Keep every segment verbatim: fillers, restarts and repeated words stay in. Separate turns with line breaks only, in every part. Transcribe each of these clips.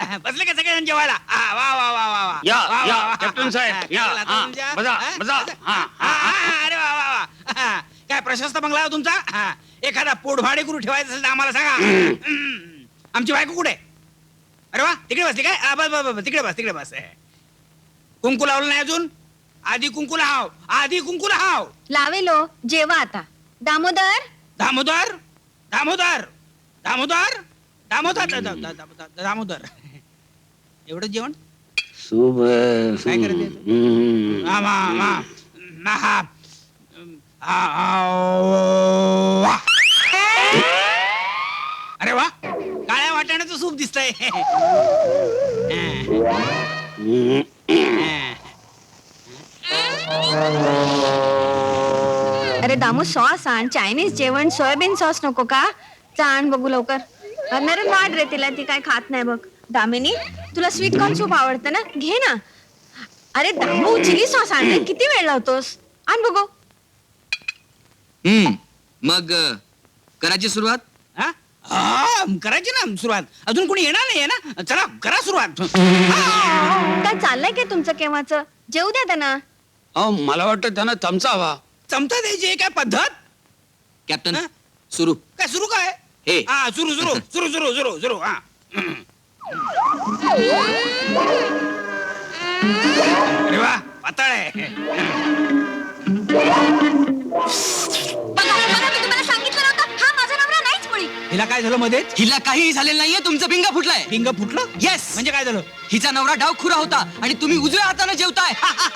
बसले का सगळेजण जेवायला? आ, वा वा वा वा वा
या,
वा,
या,
वा, वा.
कॅप्टन साहेब,
हा,
या,
काय झालं आता
हा,
तुमच्या?
बसा,
हा?
बसा.
बसा.
हा,
हा, हा, अरे वा वा वा हा. काय प्रशस्त बंगला आहे तुमचा? हा. एखादा पोटभाडे करू ठेवायचं असेल तर आम्हाला सांगा. हम्म. आमची बायको कुठे आहे? अरे वा, तिकडे बसली काय? आ, बस बस बस, तिकडे बस तिकडे बस. कुंकू लावलं नाही अजून? आधी कुंकू लाव, आधी कुंकू लाव.
लावेलो जेवा आता. दामोदर
दामोदर दामोदर दामोदर दामोदर दा- दा- दा- दा- दामोदर एवढं जेवण
शुभ
काय करायचं? हा, मा- मा- मा- हा. आ- आ- वा. अरे वा, काळ्या वाटाण्याचं सूप दिसतंय.
अरे दामू सॉस आण. चायनीज जेवण सोयाबीन सॉस नको का? आण बघू लवकर. नरेन वाढ रे तिला, ती काय खात नाही बघ. दामिनी तुला स्वीट कॉर्न सूप आवडतं ना, घे ना. अरे दामू चिली सॉस आण रे. किती वेळ लावतोस? आण बघू.
हम्म मग अ, करायची सुरुवात.
हा? हा, करायची ना सुरुवात. अजून कोणी येणार नाहीये ना? चला करा सुरुवात. हा.
काय चाललंय काय तुमचं केव्हाच? जेऊ द्या त्यांना.
अहो मला वाटतं त्यांना चमचा हवा.
चमचा द्यायची आहे काय पद्धत?
कॅप्टन
हा?
सुरू.
काय सुरू काय?
हे.
हा सुरू सुरू सुरू सुरू सुरू सुरू हा. अरे वा, पातळ आहे. हिला काय झालं मध्येच?
हिला काहीही झालेलं नाहीये. तुमचं भिंग फुटलाय.
पिंग फुटलं?
येस.
म्हणजे काय झालं?
हिचा नवरा डाव खुरा होता आणि तुम्ही उजव्या हाताने जेवताय.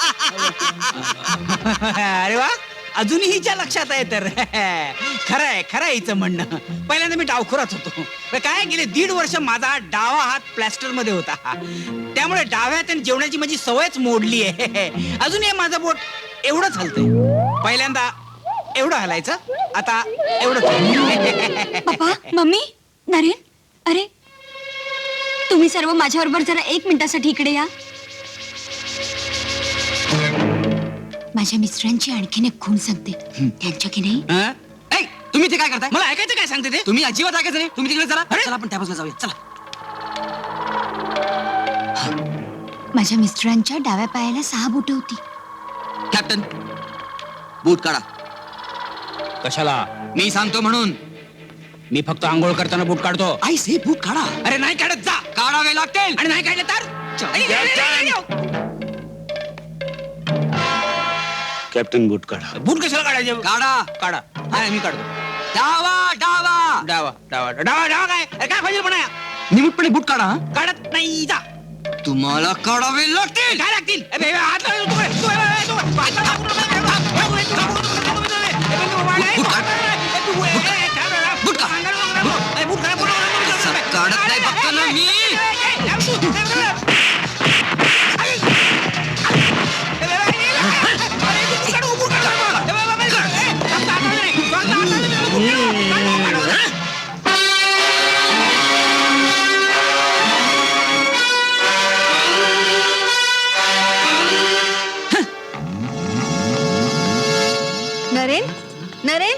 अरे वा, अजूनही हिच्या लक्षात आहे तर. खरंय खरंय हिचं म्हणणं. पहिल्यांदा मी डावखुराच होतो. पण काय गेले दीड वर्ष माझा डावा हात प्लॅस्टर मध्ये होता, त्यामुळे डाव्या हाताने जेवणाची माझी सवयच मोडली आहे. अजून हे माझं बोट एवढंच हलतंय. पहिल्यांदा एवढं हलायचं, आता एवढं.
पप्पा, मम्मी, नरेन, अरे तुम्ही सर्व माझ्याबरोबर जरा एक मिनिटासाठी इकडे या. माझ्या मिस्टरांची आणखीन एक खूण सांगते. त्यांच्या की नाही
हा?
ऐ, तुम्ही ते काय करताय?
मला ऐकायचं काय सांगते ते?
तुम्ही अजिबात ऐकायचं नाही. तुम्ही तिकडे चला.
अरे?
चला आपण त्या बाजूला जाऊया. चला.
माझ्या मिस्टरांच्या डाव्या पायाला सहा बोटं होती.
कॅप्टन बूट काढा.
कशाला?
मी सांगतो म्हणून.
मी फक्त आंघोळ करताना बूट काढतो.
आई से बूट काढा.
अरे नाही काढत, जा.
काढावे लागतील.
आणि नाही काढले तर? आई, आई, आई, आई, आई.
कॅप्टन बूट काढा.
बूट कशाला काढायचे?
काढा.
काढा. हा, मी काढतो.
डावा डावा.
डावा डावा डावा डावा काय? अरे काय पाहिजे पण
निमुटपणे बूट काढा. हं?
काढत नाही, जा.
तुम्हाला काढावे लागतील.
काय लागतील? ए, बे, हात लावू नको. तू, तू, ए, तू, हात लावू नको. ए, तू, ए, तू, ए, तू, वाढ, ए,
बूट
तू,
काढ.
ए, तू, ए, ए, थांब, थांब.
बूट काढ.
अंगाला नको, नको. ए, बूट काढ, बूट काढ.
असं काढत नाही बघतो ना मी.
ए, ए, ए, थांब तू. ए, ए, ए. अरे, ए, ए, ए, ए, अरे, तू बूट काढ, बूट काढ. ए, ए, ए, ए, फक्त हात लावू नाही. फक्त हात लावू नाही. बूट काढ, काढ, काढ, काढ.
नरेन नरेन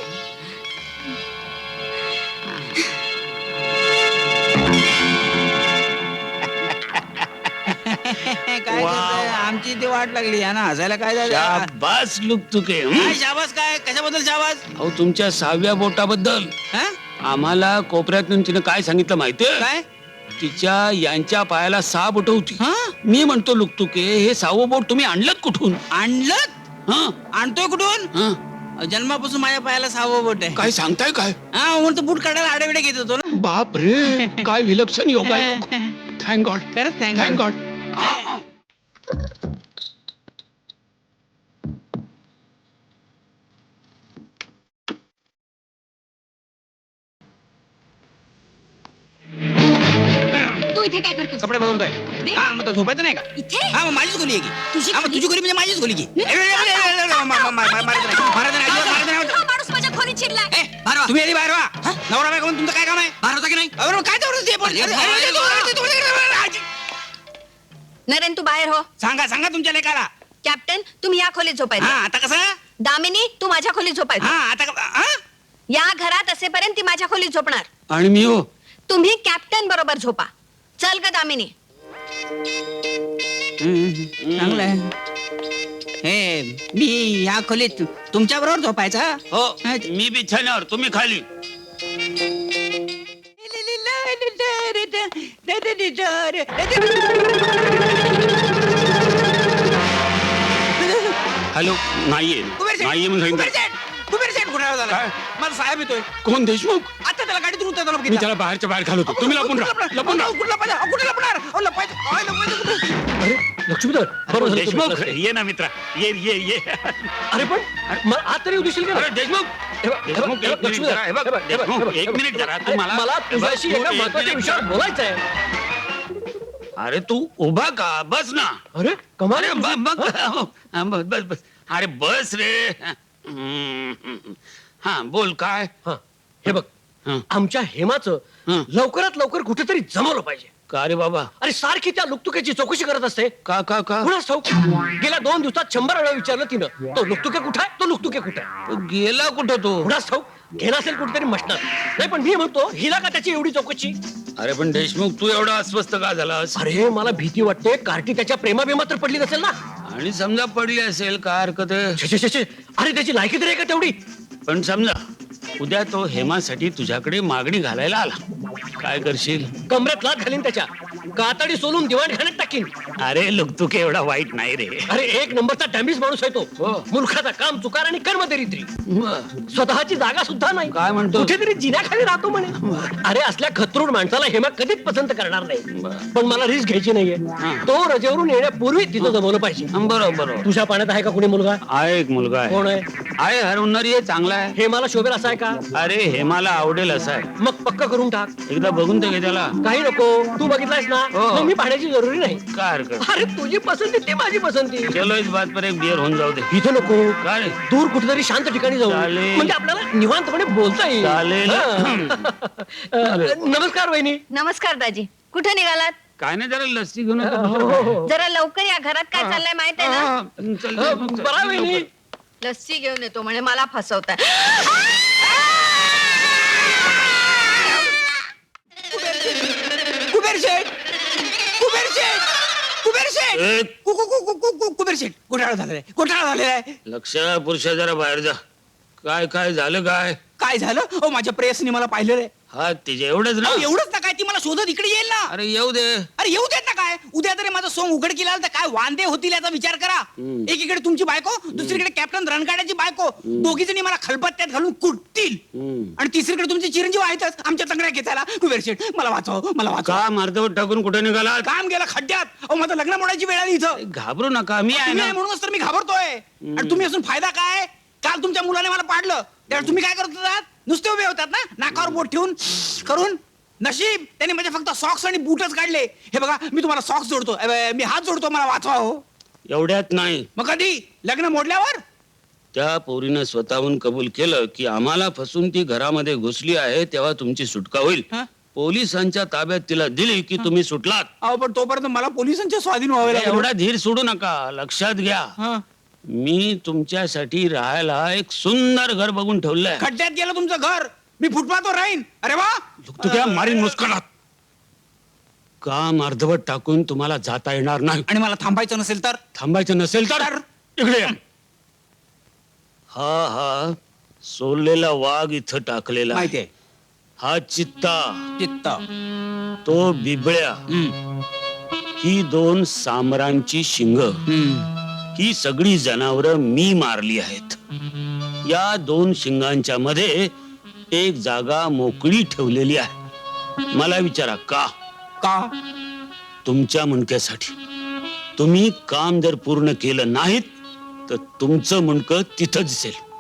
काय करताय? आमची ती वाट लागली आहे ना, हसायला काय झालं?
शाबास लुकतुके.
काय शाबास? काय कशाबद्दल शाबास?
अहो तुमच्या सहाव्या बोटाबद्दल
हा?
आम्हाला कोपऱ्यातून तिने काय सांगितलं माहितीये?
काय?
तिच्या यांच्या पायाला सहा बोट होती.
हा?
मी म्हणतो लुकतुके, हे सहावं बोट तुम्ही आणलं कुठून?
आणलं?
हा
आणतोय कुठून?
हा
जन्मापासून माझ्या पायाला सहावं बोट आहे.
काय सांगताय काय?
हा, म्हणून तर बूट काढायला आडेविडे घेत होतो ना.
बाप रे, काय विलक्षण योग आहे. Thank God.
खरंच thank
थँक
God.
गॉड.
तू इथे काय करतोस?
कपडे बदलतोय. हा, मग तो झोपायचं नाही का?
इथे
हा, मग माझीच खोली आहे की.
तुझी
हा, मग
खोली?
तुझी खोली म्हणजे माझीच खोली की. ए, ए, ए, ए, ए, ए, मा- मा- मा- मा- मारायचं नाही. मारायचं नाही, अजिबात मारायचं नाही.
हा माणूस माझ्या खोलीत शिरलाय.
ए, बाहेर वा.
तुम्ही आधी बाहेर वा. नवरा बायको म्हणून तुमचं काय काम आहे?
बाहेर होता की नाही?
अरे, मग काय तेवढंच ते पण?
अरे,
अरे,
बाहेर
अरे,
ये,
तू-
बाहेर.
अरे, तू- अरे,
नरेन तू बाहेर हो.
सांगा सांगा तुमच्या लेकाला.
कॅप्टन तुम्ही या खोलीत
हा,
झोपायचं.
आता कसं?
दामिनी तू माझ्या खोलीत
हा,
झोपायचं.
आता क- हा?
या घरात असेपर्यंत ती माझ्या खोलीत झोपणार.
आणि मी हो
तुम्ही कॅप्टन बरोबर झोपा. चल ग दामिनी.
हम्म, चांगलं आहे. हे मी या खोलीत तुमच्या बरोबर झोपायचा.
हो मी बिछाण्यावर तुम्ही खाली. हॅलो नाहीये
कुबेर शेठ,
नाहीये म्हणून
कुबेर
सांगितलं.
शेठ, कुबेर शेठ कुठे झाला?
काय?
माझा साहेब येतोय.
कोण देशमुख?
आता त्याला गाडीतून उतरताना
मी
बघितलं.
त्याला बाहेरच्या बाहेर घालवतो. तुम्ही लपून राहा लपून राहा.
कुठं लपायचं? अहो, कुठं लपणार? अहो, लपायचं. काय लपायचं कुठं?
अरे लक्ष्मीधर बरोबर झालं
देशमुख
तुम्ही असले.
ये ना मित्रा ये ये ये
अरे पण मग आज तरी दिसेल का
अरे देशमुख
हे बघ, हे बघ,
देशमुख,
हे
एक
बघ,
मिनिट
लक्ष्मीधर,
जरा, हे बघ,
हे बघ, हे बघ,
देशमुख,
हे बघ,
एक
हे बघ.
मिनिट जरा, तू
अरे,
मला-
मला
हे बघ,
तुझ्याशी
तू
एका
एक
महत्वाच्या
मिनिट
विषयावर
जरा.
बोलायचं आहे.
अरे तू उभा का बस ना.
अरे कमाल
अरे
आहे
ब-
तुझी.
बघ हा, बस बस बस अरे बस रे. हम्म, हा बोल काय.
हा, हे बघ
हा.
आमच्या हेमाचं
हा.
लवकरात लवकर कुठेतरी जमवलं पाहिजे.
का रे बाबा.
अरे सारखी त्या लुकतुक्याची चौकशी करत असते.
का का का
कुणाच ठाऊक गेल्या दोन दिवसात शंभर वेळा विचारलं तिनं तो लुकतुके कुठे आहे तो लुकतुके कुठे आहे
तो गेला कुठं तो.
कुणाच ठाऊक गेला असेल कुठेतरी मशनात. नाही पण मी म्हणतो हिला का त्याची एवढी चौकशी.
अरे पण देशमुख तू एवढा अस्वस्थ का झालास.
अरे मला भीती वाटते कार्टी त्याच्या प्रेमाबिमा तर पडली नसेल ना.
आणि समजा पडली असेल काय हरकत आहे.
छे, छे, छे, छे. अरे त्याची लायकी तरी आहे का तेवढी.
पण समजा उद्या तो हेमासाठी तुझ्याकडे मागणी घालायला आला काय करशील.
कमरेत लात घालीन त्याच्या कातडी सोलून दिवाणखान्यात टाकीन.
अरे लुकतुके एवढा वाईट नाही रे.
अरे एक नंबरचा डॅमेज माणूस आहे तो.
हो.
मूर्खाचा काम चुकार आणि कर्म दरिद्री. स्वतःची जागा सुद्धा नाही.
काय म्हणतो?
कुठेतरी जिन्याखाली राहतो म्हणे. अरे असल्या खतरूड माणसाला हेमा कधीच पसंत करणार नाही. पण मला रिस्क घ्यायची नाहीये.
हा.
तो रजेवरून येण्यापूर्वी तिथं जमवलं पाहिजे.
बरोबर बरोबर.
तुझ्या पाण्यात आहे का कुणी मुलगा.
आहे एक मुलगा
कोण
आहे.
आहे.
आहे हरवणारी आहे चांगला आहे.
हे मला शोभेल असा आहे का.
अरे हेमाला आवडेल असा आहे.
मग पक्क करून टाक.
एकदा बघून तर घे त्याला.
काही नको तू बघितलायस ना.
हो.
मग मी पाहण्याची जरुरी नाही.
काय हरकत.
अरे तुझी पसंती ती माझी पसंती.
चलो इस बात पर एक बियर होऊन जाऊ दे.
इथं नको
काय रे?
दूर कुठेतरी शांत ठिकाणी जाऊ.
चालेल.
म्हणजे आपल्याला निवांतपणे बोलता येईल.
चालेल.
हा. अ, नमस्कार वहिनी.
नमस्कार दाजी. कुठे निघालात?
काय नाही जरा लस्सी घेऊन
हो, हो, हो.
जरा लवकर या. घरात काय चाललंय माहित आहे ना.
चल,
अ,
चल, चल,
बरं आहे वहिनी.
लस्सी घेऊन येतो म्हणे मला फसवताय.
कुबेर शेठ, कुबेर शेठ, कुबेर शेठ,
ए.
कु- कु- कु- कु- कु- कु- कुबेर शेठ घोटाळा झालेला आहे, घोटाळा झालेला आहे.
लक्ष पुरुष जरा बाहेर जा. काय काय झालं काय.
काय झालं? ओ माझ्या प्रेयसनी मला पाहिलेलं आहे.
हा तिचे एवढंच ना.
अहो, एवढंच ना काय ती मला शोधत इकडे येईल ना.
अरे येऊ दे.
अरे येऊ देत ना काय. उद्या तरी माझं सोंग उघड केला तर काय वांदे होतील याचा विचार करा.
हम्म.
एकीकडे तुमची बायको दुसरीकडे कॅप्टन रणगाड्याची बायको दोघी जणी मला खलबत्त्यात घालून कुटतील.
हम्म.
आणि तिसरीकडे तुमचे चिरंजीव आहेतच आमच्या तंगड्या घेतायला. कुबेर शेठ मला वाचव, मला वाचव.
का मार्गावर टाकून कुठे निघाला.
काम गेलं खड्ड्यात. अहो माझं लग्न मोडायची वेळ आली इथं.
घाबरू नका मी आहे
तुम्ही
ना.
आहे म्हणूनच तर मी घाबरतोय. आणि तुम्ही असून फायदा काय. काल तुमच्या मुलाने मला पाडलं त्यावेळेस तुम्ही काय करत होतात. नुसते उभे होतात ना नाकावर बोट ठेवून करून. नशीब त्यांनी म्हणजे फक्त सॉक्स आणि बूटच काढले. हे बघा मी तुम्हाला सॉक्स जोडतो, अबे, मी हात जोडतो, मला वाचवा हो.
एवढ्यात नाही.
मग कधी लग्न मोडल्यावर.
त्या पोरीनं स्वतःहून कबूल केलं की आम्हाला फसून ती घरामध्ये घुसली आहे तेव्हा तुमची सुटका होईल.
हं?
पोलिसांच्या ताब्यात तिला दिली की तुम्ही सुटलात.
अहो पण तोपर्यंत मला पोलिसांच्या स्वाधीन व्हावे लागेल.
एवढा धीर सोडू नका. लक्षात घ्या
हं.
मी तुमच्यासाठी राहायला एक सुंदर घर बघून ठेवलंय.
खड्ड्यात गेलं तुमचं घर. मी फुटपाथवर राहीन. अरे वा.
तुझ्या मारीन मुस्कळात. काम अर्धवट टाकून तुम्हाला जाता येणार नाही.
आणि मला थांबायचं नसेल तर.
थांबायचं नसेल तर
तर?
इकडे या. हा हा सोललेला वाघ इथं टाकलेला आहे.
माहितीये.
हा चित्ता
चित्त.
तो बिबळ्या
हम्म.
ही दोन सामरांची शिंग.
हम्म.
ही सगळी जनावरं मी मारली आहेत. या दोन शिंगांच्या मध्ये एक जागा मोकळी ठेवलेली आहे. मला विचारा का.
का.
तुमच्या मुंडक्यासाठी. तुम्ही काम जर पूर्ण केलं नाहीत तर तुमचं मुंडकं तिथं दिसेल.